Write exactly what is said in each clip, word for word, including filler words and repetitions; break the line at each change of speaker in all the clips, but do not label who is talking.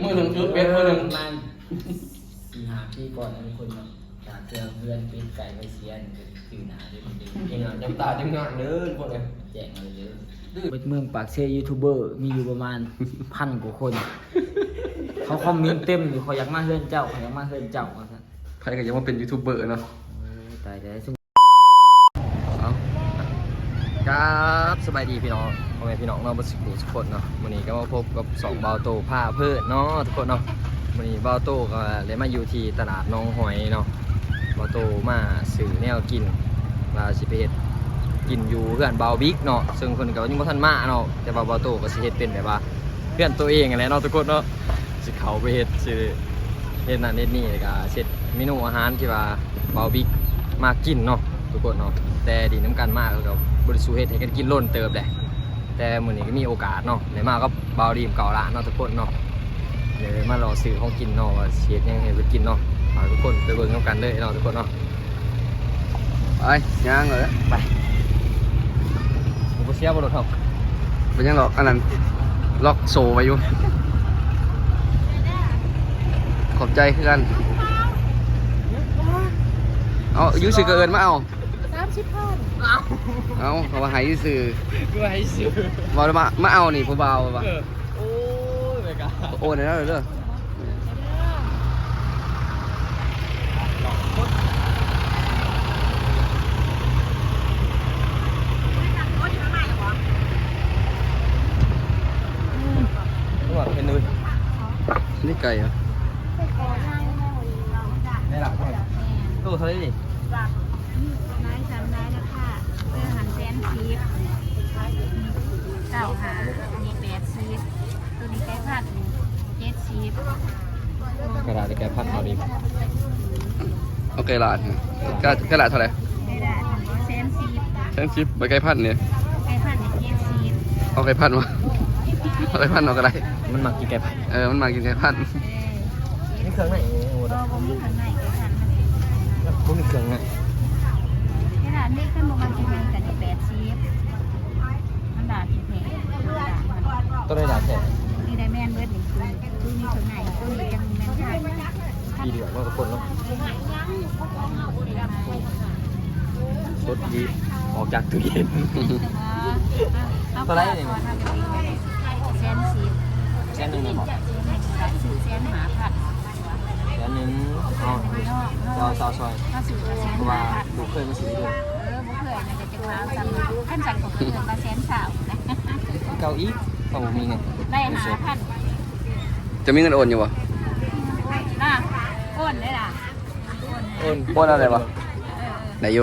มือหนึ่งชุดเบ็ดมือหนึ่ง
มันสี่หาปีก่อนมีคนมาจากเพื่อนเพื่อนเป็นไก่ไปเชียนตื่นหนาด้วยคนเดียวยังไง
จำตาจังงานเด้อทุกคนเลย
แจกมาเลยเป็นเมืองปากเซยูทูบเบอร์มีอยู่ประมาณพันกว่าคนเขาคอมเมนต์เต็มอยู่เขาอยากมาเฮือนเจ้าเขาอยากมาเฮือนเจ้าว่าซั่น
ใครก็ยังว่าเป็นยูทูบเบอร์เนาะ
ตายแต่ซุ่ม
เอาครับสบายดีพี่น้องพ่อแม่พี่น้องเราบัสกุทุกคนเนาะวันนี้ก็มาพบกับสองเบาโตผ้าเพื่อนเนาะทุกคนเนาะวันนี้เบาโตก็เลยมาอยู่ที่ตลาดน้องหอยเนาะเบาโตมาซื้อแนวกินลาชิเพชกินอยู่เพื่อนเบาบิ๊กเนาะซึ่งคนก็ยังบ่ทันมาเนาะแต่ว่าเบาโตก็สิเฮ็ดเป็นแบบว่าเพื่อนตัวเองอะไรเนาะทุกคนเนาะสิเขาไปเฮ็ดสิเฮ็ดนั่นเฮ็ดนี่ก็เสร็จเมนูอาหารที่ว่าเบาบิ๊กมากินเนาะทุกคนเนาะแต่ดีน้ำกันมากแล้วก็บริสุทธิ์เฮ็ดให้กันกินล้นเติบแหละแต่มื้อนี้ก็มีโอกาสเนาะได้มาก็เบาดีมเก่าละเนาะทุกคนเนาะเดี๋ยวมารอซื้อของกินเนาะว่าสิเฮ็ดยังไงไปกินเนาะฝากทุกคนไปเบิ่งน้ำกันเลยเนาะทุกคนเนาะไปย่างเลยไปผมเสียบ่รถครับเป็นยังหรอกอันนั้นล็อกโซ่ไว้อยู่ขอบใจคือกันเอาอยู่ซื้อเกินมาเอา
สามสิบพัน
เอาเขาว่าหายซื้อ
ก็ให้ซื้อ
มามามาเอานี่ผู้เบาป่ะ
โอ้ยไปกัน
โอนได้แล้วเด้อเป็นเลยนี่ไก่เหรอไม่หลับตู้เท่าไหร่ดิ
นายสามนายแล้วค่ะเพื่อหันแซนชีฟเก้าหามีแปดชีฟตัวนี้ไก่ผัดเจ็ดชีฟ
กระดาษแกพัดเอาดิโอเคลาดกระกระดาษเท่าไหร่
ไม่ได้แซนชีฟ
แท่งชิปใบไก่พัดเนี่ย
ไก่ผัดเจ็ดชีฟ
เอาไก่พัดมาเอาไก่พัดเอากระไร
มันมากินไก่ผัด
เออมันมากินไก่พัด
นี่เครื่องไหน
ก็บ่มีข้างในไก่ผัดมัน
มันมีเครื่องไง
ขนาดนี้ขึ้นมากินมันกันแปดชีฟมันด่าที่แผล
ตัวได้ดาแท้
นี่ได้แม่นเบิร์ดหนึ่งคือคือมีข้างในตัวนี้ยังแม่นใช่
ดีเดือดมากทุกคนเนาะสดดีออกจากตู้เย็น
ตัวไรเนี่ยแซนซีฟ
แสนหนึ่งเลยบอก
สื่อแซนหาผัด
แสนหนึ่งอ๋อซอยซอยซอย
ถ้าสื่อแซน
เพราะ
หา
ว่า
ผัด
ดูเคยมาซื้อด้วย
เออบุเคยมันจะจะมาสั่งขั้นสั่งของเพื่อนมาแซนสาวนะ
เกาอีของมีไง
ได้หาผัด
จะมีเงินโอนอยู่ปะ
น่ะอ้นได้ล่ะ
โอน
โอนอะไรปะไหนอยู่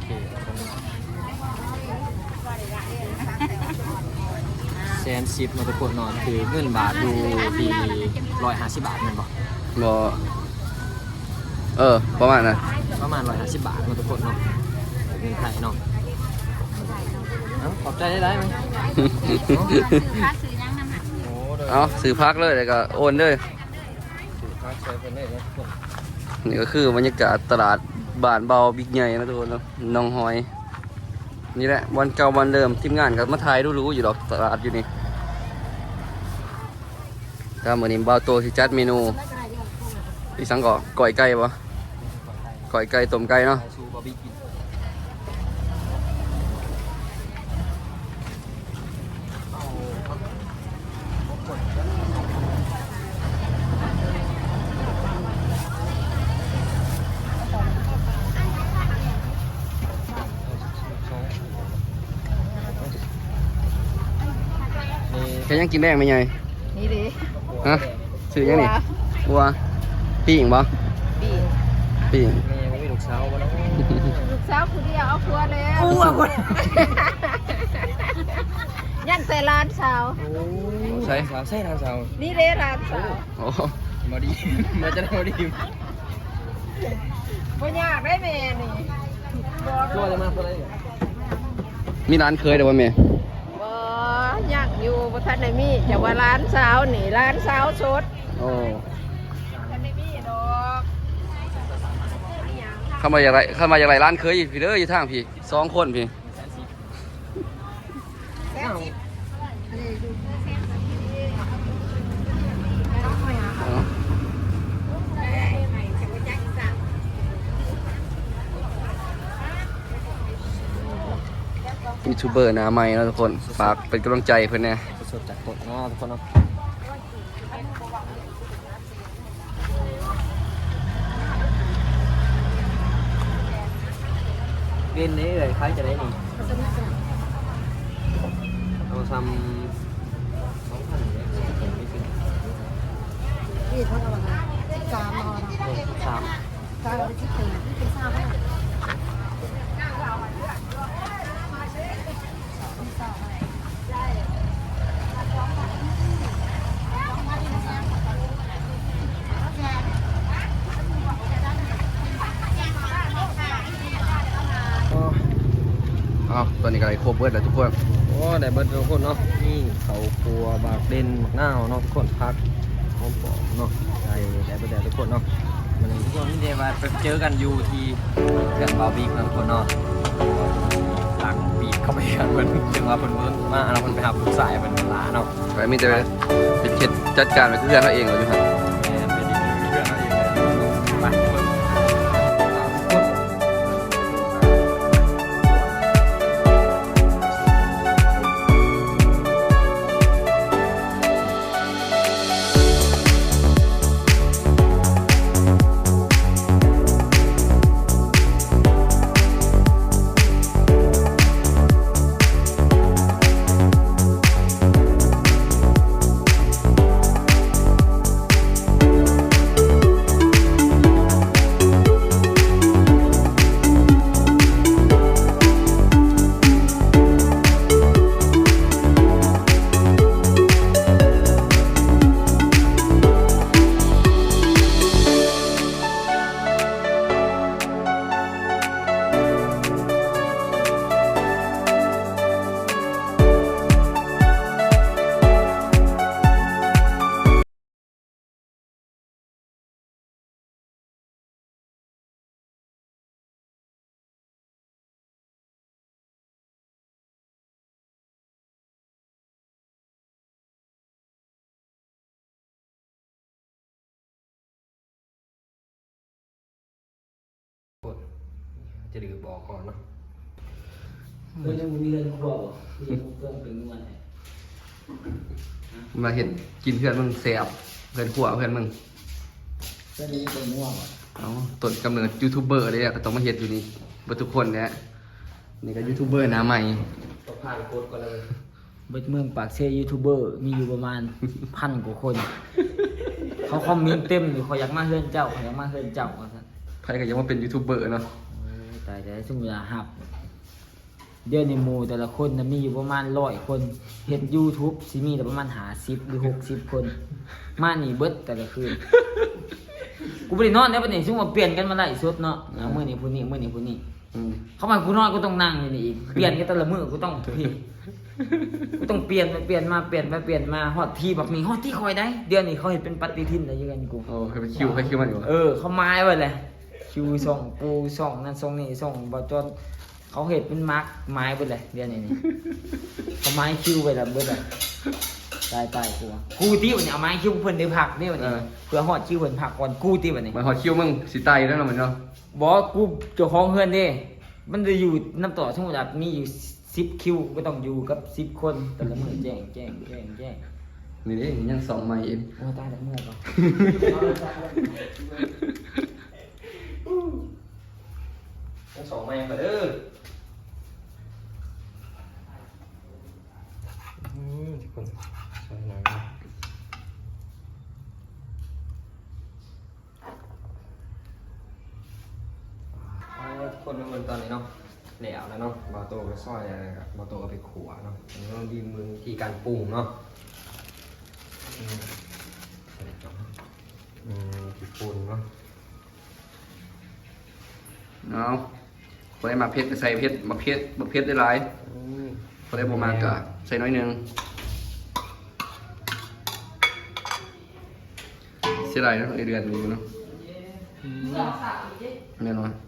แสนสิบมาทุกคนนอนคือเงินบาทดูดีร้อยห้าสิบบาทเงินบอก
บอเออประมาณนั้น
ประมาณร้อยห้าสิบบาทมาทุกคนเนาะเงินไทยเนาะขอบใจได้ได้ไหม
ค่าซื้อยังน้ำหนัก
โอ้โดย
เอาซื้อพักเลยแล้วก็โอนเลย
ค่าใช้เป็นได้นะทุกคน
นี่ก็คือบรรยากาศตลาดบ้านเบาบิ๊กใหญ่นะทุกคนเนาะน้องหอยนี่แหละวันเก่าวันเดิมทีมงานกับมาถ่ายรู้ๆอยู่หรอกตลาดอยู่นี่ถ้าเหมือนนี้เบาโตที่จัดเมนูอีสังก่อก่อยไก่ปะก่อยไก่ต้มไก่เนาะ
ซูบาร์บีคิว
แค่ยังกินแดงไหมไง
นี่ดิ
ฮะซื้อยังนี่วัวปีงปะ
ปี
ปีง
แม่ไม่มีลูกสาววะเนาะ
ลูกสาวคนเดียวเอาผัวแล้วยันแต่ร้านสาว
ใช่
สาวใช่ทางสาว
นี่เลยร้านสาว
โอ้
มาดีมาจะได้มาดี
บ่ยากได้แม่นี่
ตัวจะมาตัวอะไร
มีร้านเคยเดี๋ยวว่าเมย์
บ่ยากอยู่บ่ทันได้มีแต่ว่าร้านสาวนี่ร้านสาวสด
โอ้
ทันได้มีดอก
เข้ามาอย่างไรเข้ามาอย่างไรร้านเคยพี่เด้ออยู่ทางพี่สองคนพี่
แซ่บสิ
ยูทูบเบอร์หน้าใหม่แล้วทุกคนฝากเป็นกำลังใจเพื่อนแน่
สดๆจากต้นเนาะทุกคนเนาะเล่นนี้เลยคล้ายจะได้นี่เอาทำสองพันเนี่ยไม่ถึง
นี่เท่ากับอะไรสิบสามนอน
สาม
สามเป็นสิบสี่ที่เป็นสามแล้ว
อ้าวตอนนี้ก็ได้ครบเบิดแล้วทุกคน
โอ้ได้เบิดทุกคนเนาะนี่เขาครัวบากเด่นหมักหน้าวเนาะทุกคนพักหอมปอมเนาะได้ได้เบิดแล้วทุกคนเนาะมันทุกคนนี่เดี๋ยวมาไปเจอกันอยู่ที่เรื่องบาร์บีคิวทุกคนเนาะหลังบีบเข้าไปกันเพิ่นถึงว่าเพิ่นเพิ่นมาแล้วเพิ่นไปหาผู้สายเพิ่นลาเนาะ
ไปมีแต่เป็นเช็ดจัดการไปเพื่อนเขาเองเหรออยู่ฮะ
แม่เป็นอีกหนึ่งเรื่องอะไรอย่างเงี้ยไปเพิ่น จะดื้อบอกก่อนเนาะ
เพื่อนมึงมีเรื่องครัวบ่เรื่องเครื่องเป็นนวดให้
มาเห็นกินเพื่อนมึงแสบเพื่อนขัวเพื่อนมึง
เพื่อนนี้เป็นง่วงบ่
เอาต้นกำเนิดยูทูบเบอร์เลยอะก็ต้องมาเห็นอยู่นี่เบอร์ทุกคนเนี่ยนี่ก็ยูทูบเบอร์หน้าใหม่
ต้องผ่านโค้ดก่อนเลย
เบิดเมืองปากเซ่ยูทูบเบอร์มีอยู่ประมาณ พันกว่าคน เขาคอมเมนต์เต็มอยู่เขาอยากมาเฮือนเจ้าเขาอยากมาเฮือนเจ้าว่าซั่น
ใครก็ยังว่าเป็นยูทูบเบอร์เนาะ
โอ้ยตายแต่ซุ่มเวลาหับ เดี๋ยวในหมู่แต่ละคนน่ะมีอยู่ประมาณร้อยคนเฮ็ด YouTube สิมีแต่ประมาณห้าสิบหรือหกสิบคน มานี่เบิดแต่ละคืน กูบ่ได้นอนแล้วบัดนี้ซุ่มว่าเปลี่ยนกันมาไล่สดเนาะอ่ามื้อนี้ผู้นี้มื้อนี้ผู้นี้
อืม
เข้ามากูนอนกูต้องนั่งอยู่นี่อีก เปลี่ยนกันแต่ละมื้อกูต้องพี่กูต้องเปลี่ยนไปเปลี่ยนมาเปลี่ยนไปเปลี่ยนมาฮอดที่แบบนี้ฮอดที่คอยได้ เดี๋ยวนี้เขาเฮ็ดเป็นปฏิทินได้ยังกันกู
โอ้ใครไปคิวใครคิวมันอยู่
เออเขาไม้ไว้เลยคิวส่งปูส่งนั่นส่งนี่ส่งบอจนเขาเห็ดเป็นมาร์กไม้ไปเลยเดี๋ยวนี้นี่ เขาไม้คิวไปแล้วเบิดเลยตายตายกูอะกูตีวันนี้เอาไม้คิวเพิ่นได้ผักนี่วันนี้เพื่อฮอดคิวเพิ่นผักก่อนกูตีวันนี้
มันหอดคิวมึงสิตายอยู่แล้วเนาะมันเนาะ
บอกกูเจ้าของเฮือนเด้มันจะอยู่น้ำต่อสมมุติว่ามีอยู่สิบคิวก็ต้องอยู่กับสิบคนแต่ละมื้อแจ้งแจ้งแจ้งแจ้ง
นี่ดิยังสองใหม่เอง
โอ้ตายแล้วเมื่อยก่อน
ทั้งสองแม่มาเด้ออืมทุกคนใส่หน่อยนะเอาทุกคนทุกคนตอนนี้เนาะแล้วแล้วเนาะบาโต้ไปซอยอะไรกับบาโต้ก็ไปขัวเนาะอันนี้ต้องดีมือที่การปรุงเนาะอืมใส่จอมอืมที่ปรุงเนาะ
เอาคนได้มาเพชรใส่เพชรมาเพชรมาเพชรได้หลาย
อืม
คนได้ประมาณก็ใส่น้อยหนึงเสียดายเนาะไอเดือนนี้เนาะแน่นอน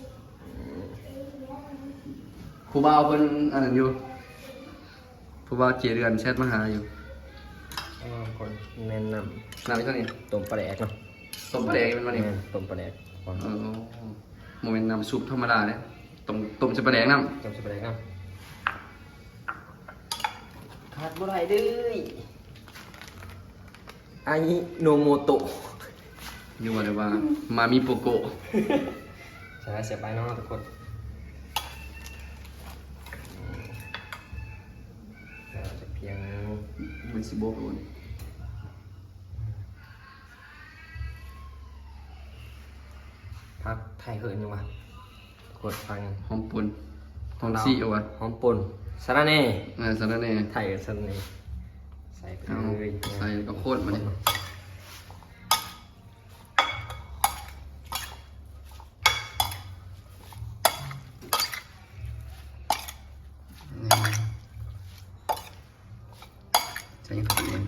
ครูบาวเพิ่นอันนั้นอยู่ครูบาวเจเดือนแชทมาหาอยู่
อ๋อคนแนะน
นานไปเท่านี้
ำต้มปลาแดกเนาะ
ต้มปลาแดกเป็นวันนี้
ต้มปลาแดกก่อน
เออโมเมนต์น้ำซุปธรรมดาเนี่ยต้มต้มใส่ปลาแดกน้ำ
ต้มปลาแดกเนาะขาดบ่ได้เด้ออายิโนโมโตะ
นี่ว่าเลยว่ามามีโปโกะ
ใช่เสียไปเนาะทุกคนเราจะเพียง
มันสิโบกน
พักไทยเหินยังวะกดฟัง
หอมปุ่นหอมซี่เอาวะ
หอมป่นสาระเน่
เออสารแหน่
ไทยสาระเน่ใส่ไป
เอา
เลย
ใส่ก็โคตรมาเนี่ยใส่ยังไงเอง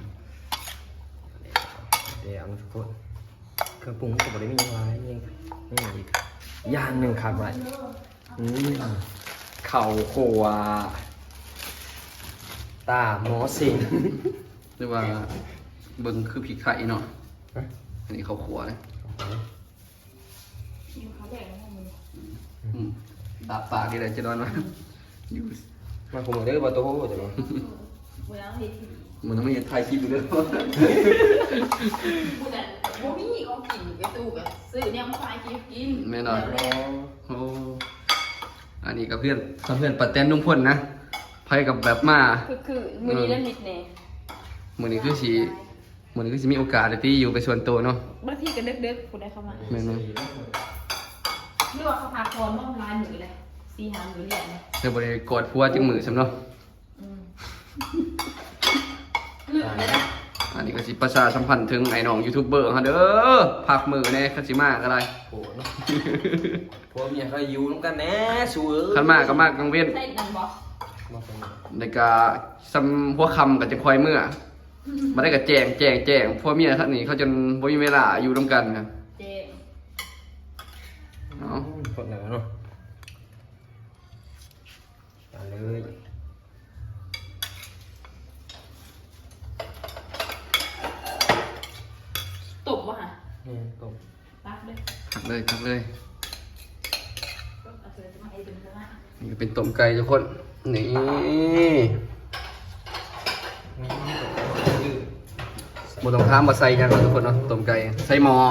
เดี๋ยวเอามาทุกคนเครื่องปรุงก็บ่ได้มีอะไรยังนี่อีกอย่างหนึ่งครับไว้อืมเข่าโควัวตาหมอสิง
เรียกว่าเบิ่งคือผีไข่เนาะอันนี้เขาขัวเลยอืมตาปากนี่แหละจะนอนมาอยู่
มาคุมเด้อบ่โตเดี๋ยว
มันต้องมีถ่ายคลิปอยู่ด้วย
พูดแต่บ่มีของกินไปตู้ก็ซื้อเนี่ยมาขายกินกิน
แม่นอนโอ้อันนี้กับเพื่อนกับเพื่อนปัดแตนนุ่งพ่นนะไพ่กับแบบมา
คือคือมื้อนี้แล้วนิดแน่
มือนี้คือสีมือนี้คือสิมีโอกาสได้ที่อยู่ไปส่วนตัวเนาะ
บางทีก็เด็กๆผู้ใดเข้ามา
แม่นมั้ย
หรือว่าเขาพาคอนมาลายมื้อเลยสี่ห้ามื้อเรียนนะ
เธอบ่ได้กอดผัวจังมือซำเนาะ
อืมลืมเลยนะ
อันนี้ก็สิประชาสัมพันธ์ถึงไอ้น้องยูทูบเบอร์เฮาเด้อพักมือแน่คันสิมาก็ได้
โหเนาะพวกเมียเขาอยู่น้ำกันแน่สูเอ้ย
คันมาก็มากลางเว้น
ใส่นั่นบ่
มาเป็น
แล้วก็ซ้ำหัวค่ำก็จะคอยเมื่อมาได้ก็แจ้งแจ้งแจ้งพวกเมียท่านนี้เขาจนบ่มีเวลาอยู่ร่วมกันครับ
เจ๊
เนาะ
คนแล้วเนาะมาเลย
ตบบ่ฮะ
นี่ตบ
ตักเลย
หักเลยหักเลย
เอาเสือจะมาให้ดึงซะนะ
นี่ก็เป็นต้มไก่ทุกคนนี่บ่ต้องถามว่าใส่หยังเนาะทุกคนเนาะต้มไก่ใส่หม้อ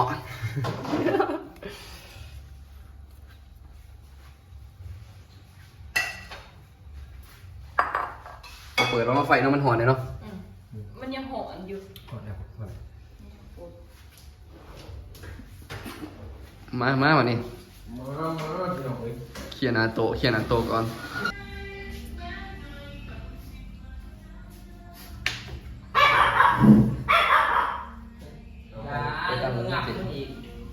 เปิดแล้วมาไฟเนาะมันหอนเลยเนาะ
อืมมันยังหอนอยู่
หมดแล้วหมดแล้ว
มามาวันนี้
มามาพี่น้องเอ้ย
เคลียร์หนาโตะเคลียร์หนาโตะก่อนไปตามมันสิ
อีก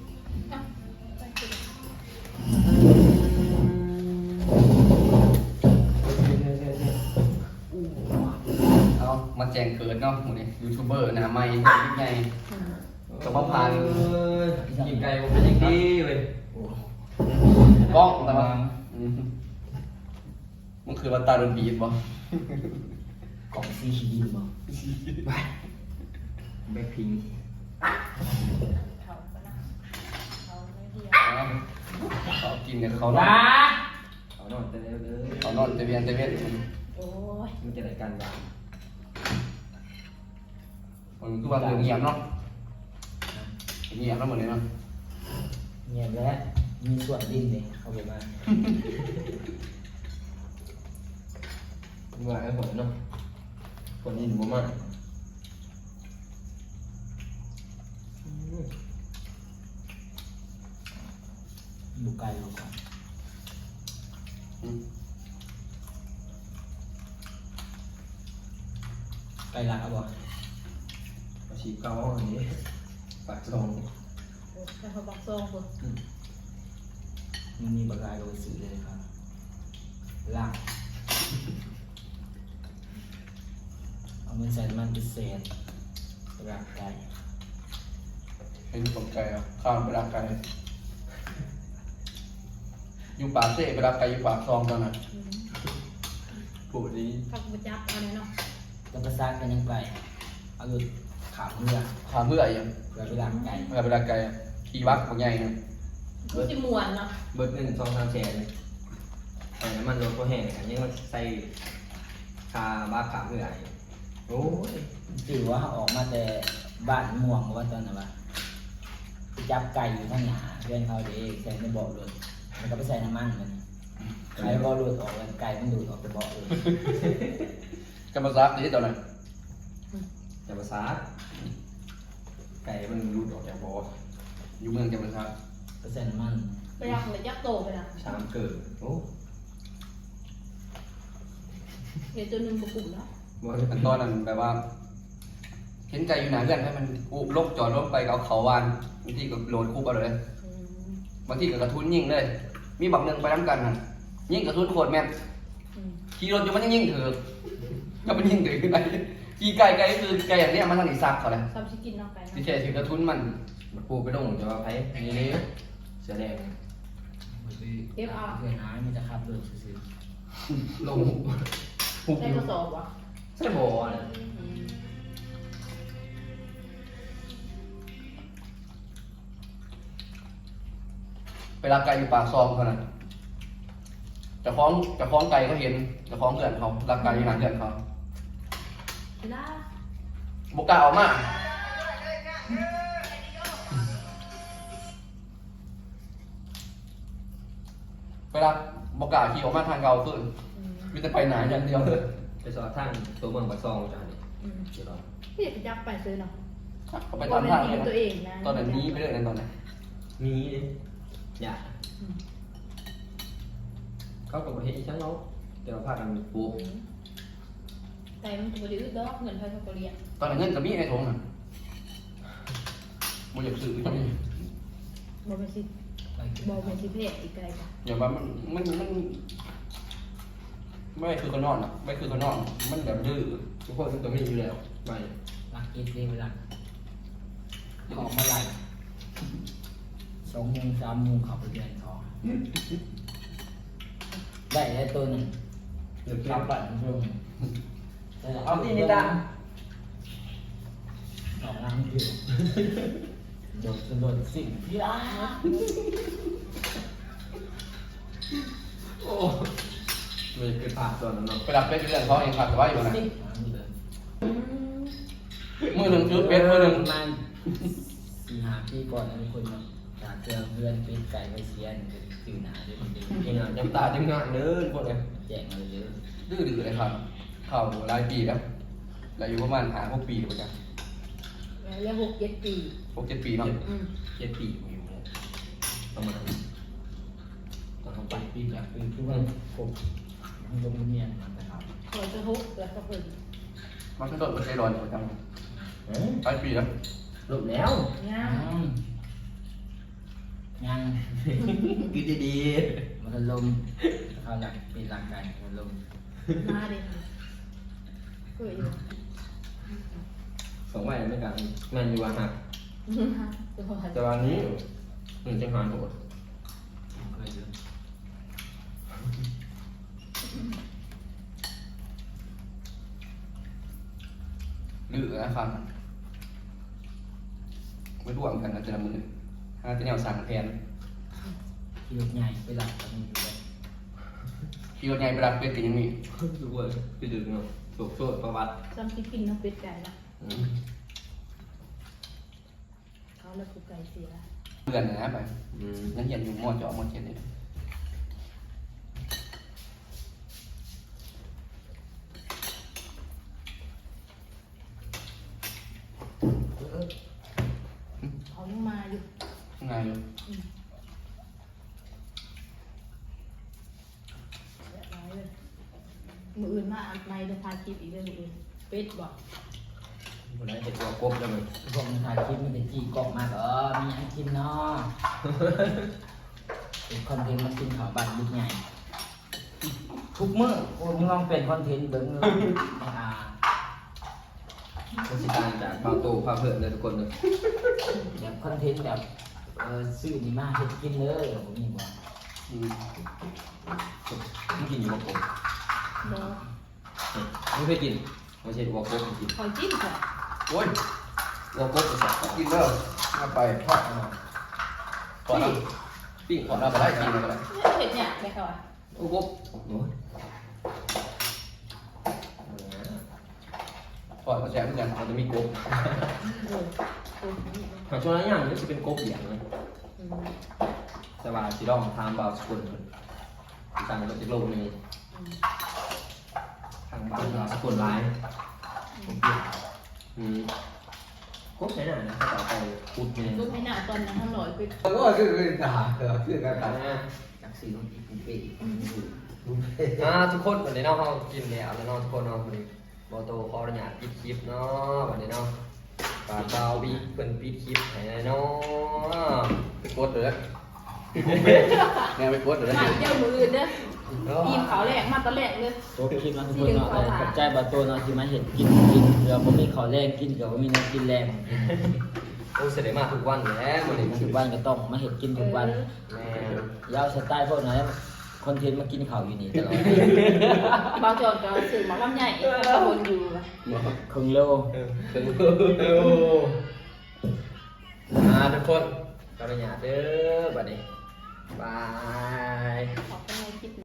เอามาแจ้งเกิดเนาะหมูนี่ยูทูบเบอร์หนะไม่ยิ่งใหญ่สมภาร
กินไก่ผมเป็นอย่างดีเว้ย
กล้องแต่ว่าอืมมันคือว่าตาโดนบีบบ่
กล่องซีดีบ่แบ็คพิง
เขาก็นะเขาไม่เดียว
เขากินเนี่ยเขานอน
เอาหน่อยแต่เร็วเลย
เขานอนแต่เวียนแต่เวียน
โอ้ย
มันจะได้การบ้าน
มันคือว่าเงียบเนาะเงียบแล้วเหมือนเลยเนาะ
เงียบแล้วมีส่วนดิ้นเลยเข้าไปมา
ว่าไอ้ผมเนาะคนอินบ่มาก
ดูไกลเราก่อน
อืม
ไกลหลักเอาบ่
อาชีพเก่าอันนี้ปากซอง
แต่เขาบอกซองบ่
มันมีบางรายโดยสื่อเลยครับลากเอาเงินใส่น้ำมันพิเศษร่างกาย
เป็นตกไก่อ่ะข้ามไปรักไก่อยู่ปากเซ่ไปรักไก่อยู่ปากซองตอนนั้น
ปวดดี
เขาบ่จับเอาเลยเนาะ
แล้วก็ซักกันยังไปเอาหลุดขาเรือ
ขาเมื่อยอ่ะ
เพื่อไปล้างไก่
เมื่อไปรักไก่อะขี่บักของใหญ่นะ
มันสิม่วนเนาะ
เบิดเงินสองสามแสนใส่น้ำมันรถก็แห้งกันยังมาใส่คาบ้าขาเมื่อยโอ้ย
ถือว่าเขาออกมาแต่บ้านม่วงว่าตอนนั้นว่าไปจับไก่อยู่ข้างหน้าเพื่อนเขาเด็กใส่ในเบาะรถมันก็ไปใส่น้ำมันมันไก่เบาะรถออกแล้วไก่มันดูดออกจากเบาะเลย
กำมาซักที่ตอนนั้น
จะภาษาไก่มันรูดออกจากบ่อ
อยู่เมืองกำมาซัก
ไปใส่น้ำมัน
ไปรักเลยยักษ์โตไปนะ
สามเกิดโอ้
เห็นตัวหนึ่งประกุ่มแล้ว
บ่
อันตอนนั้นแบบว่า เห็นไก่อยู่หนาเพื่อนให้มันอุบลกจอดรถไปเอาเขาวานบางทีก็โหลดคุบเอาเลยบางทีก็กระทุนยิงเลย มีบักหนึ่งไปน้ำกันน่ะยิงกระทุนโคตรแม่นขี่รถอยู่มันยังยิงเถือะก็มันยิงเถือะขึ้นไปขี่ไก่ไก่คือไก่อย่างเนี้ยมันทางอีซักเขาเลย
ซ้ำชิกินนอกไก่
ที่แท้ถือกระทุนมัน
มันปูไปลงจะว่าไผนี่นี่เสือแดง
เก็บเอา
เพื่อนหายมันจะขับรถซื้อ
ลงหุบ
ได้
อยู่
กระสอบวะ
ใช่บ่อเลย
เวลาไก่อยู่ปากซองเขานั้นจะคล้องจะคล้องไก่ก็เห็นจะคล้องเพื่อนเขารักไก่อยู่หนาเพื่อนเขา
เวลา
บกล้าออกมาเวลาบกล้าขี่ออกมาทางเก่าขึ้นมีแต่ไปไหนอย่างเดียวเลย
ไปสอดทางตัวเมืองปากซองจ้านี่เดี๋ยวรอ
พี่อยากไปยักษ์ไปซื้อเนาะ
เขาไปตามทางเลยนะ
ตัวเองนะ
ตอนนั้นนี้ไปเรื่อยนะตอนนั้น
มีดิอย่าเขาก็บ่เฮ็ดอีช่างเนาะแต่ว่าพากันปลูก
ไก่มันตัวดื้อดอกเงินไทยเขาก็เรียน
ตอนนั้นเงินกับมีในถุงน่ะบ่อยากซื้อก็มี
บอเป็นสิบอเป็นสิเพศอีกไก่จ้ะ
อย่างว่ามันมันมันไม่คือเขานอนอ่ะไม่คือเขานอนมันแบบดื้อ
ทุกคนต้องมีอยู่แล้วไป
รักกินดีเวลาออกมาไล่สองโมงสามโมงขับไปเดินทองได้ได้ตัวหนึ่ง
เดี๋ยว
ขับ
เก็บ
ปั่นลง
เอาที่นี่ตา
ออกน้ำอยู่โดดสะดุดสิ่งที่รัก
โอ้เลยไปผ่าตัวนั้นเนาะ
ไปรับเป็ดเรื่องเขาเองครับแต่ว่าอยู่นะ
น้ำเลย
มือหนึ่งคือเป็ดมือหนึ่ง
ประมาณสี่ห้าปีก่อนนะทุกคนเนาะจากเจอเพื่อนปีนไก่ไปเชียนตื่นหนาด้วยมันดี
จริงอ่ะจำตาจำงานเด้อทุกคนเลย
แจกมาเยอะ
ดื้อดื้อเลยครับเข้าหลายปีแล้วแล้วอยู่ประมาณหาหกปีกว่าจะ
แล้วหกเจ็ดปี
หกเจ็ดปีเนาะ
อืม
เจ็ดปีอยู่ประมาณตอนเขาไป
ปีจากปีทุกวันผมมันลงเนียนมันนะครับ
คอยจะฮุกแล้วก็เพิ่น
มันก็โดดไปใช้ร้อนประจ
เอ้ย
ำหลายปีแล้ว
ลบแล้ว
ย่า
ยัง
กินดี
มันลมเขาหลักเป็นหลักการมันลม
มาเด็กเคยอยู่
ๆสองใบไม่กันแม่นอยู่ว่าหัก
ตัวหัด
แต่วันนี้หนึ่งจังหวะโหด
เคยดู
ดื้อนะครับไม่ร่วมกันนะแต่ละมือหาแต่แนวสั่งแทน
ที่รถใหญ่ไปหลักกันอยู่เลย
ขี่รถใหญ่ไปรับเป็ดกันยังมี
ดูเว้ยไปดึงเนาะโศกโซดประวัติ
ซ้ำที่กินน้ำเป็ดไก่ละ
อืม
เขาแล้วกูไก่เสีย
เพื่อนนะไป
อืม
นั่นเห็นอยู่มอจอมอเจ็ดนี่
เขายังมาอยู่
ไงอยู่
เรียบร้อยเลยมืออื่นมาอันในจะพาคิดอีกเรื่องอื่นเป็ดบอก
วันนั้นเห็นตัวกบแล้วมัน
พวกมันถ่ายคลิปมันจะจี้กล่องมากเออมีอันกินเนาะเป็นคอนเทนต์มันกินข่าวบ้านยุคใหญ่ทุกมื้อโอ้มึงลองเป็นคอนเทนต์เบิ้งเลยอ่า
ราชการจากเบาโตพาเพื่อนเลยทุกคนเลย
แบบคอนเทนต์แบบเออซื้อนี่มาเฮ็ดกินเลยผมมีบอก
อืม
ไม่กินอยู่กับผม
เนาะ
ไม่เคยกินไม่ใช่วัวกบกิน
คอยจิ้มค่ะ
โอ้ย
วัวกบไปสัก
กินเด้อมาไปทอดเอาก่อนนะ
ปิ้ง
ก่อนเราไปได้กินเลยก็ได้
เผ็ดเนี่ยได้ค่ะวะ
วัวกบโอ้โห
พออดกระแสเหมือนกัน
มันจะมีกบ
เออโอ้ยนี่
หาช่วงนั้นอย่างนี้จะเป็นกบเหลี่ยงเลย
อืม
แต่ว่าสิลองทำบาวสกุลเพิ่นสั่งมาจากโลกนี้
อืม
ทางบาวสกุลร้ายอืมกบใช่ไหมนะต่อไปพุดเนี่ย
ลูกไม่น่าตอนนั้นหน่อยไป
แล้วก็คือคือตาคือการตา
อยากซื้อน้องอีกเป็นปี
อ่าทุกคนวันนี้เนาะเขากินแล้วแล้วเนาะทุกคนเนาะวันนี้บอโตขออนุญาตปิดคลิปเนาะวันนี้เนาะฝากดาวบีเพิ่นปิดคลิปให้หน่อยเนาะ
ไปกดเลยแนวไปกดเลย
มาเที่ยวมืออื่นเด้อทีมเขาแรกมาตอนแรกเลย
โต๊ะคลิปนะทุกคนเนาะแต่ขอบใจบาโตเนาะที่มาเห็นกินกินเดี๋ยวผมมีข้าวแรงกินเดี๋ยวผมมีน้ำกินแรง
โอ้เสด็จมาทุกวันอยู่แล้ววันนี้
ทุกวันก็ต้องมาเห็นกินทุกวัน
แม่
ยาวสไตล์พวกนั้นคอนเทนต์มากินข้าวอยู่นี่ตลอด
บางจอนก็สื่อมาลำใหญ่ก็วนอยู่
ครึ่งโล
ถึงอ่าทุกคนขออนุญาตเด้อบัดนี้บาย
ขอบคุณในคลิป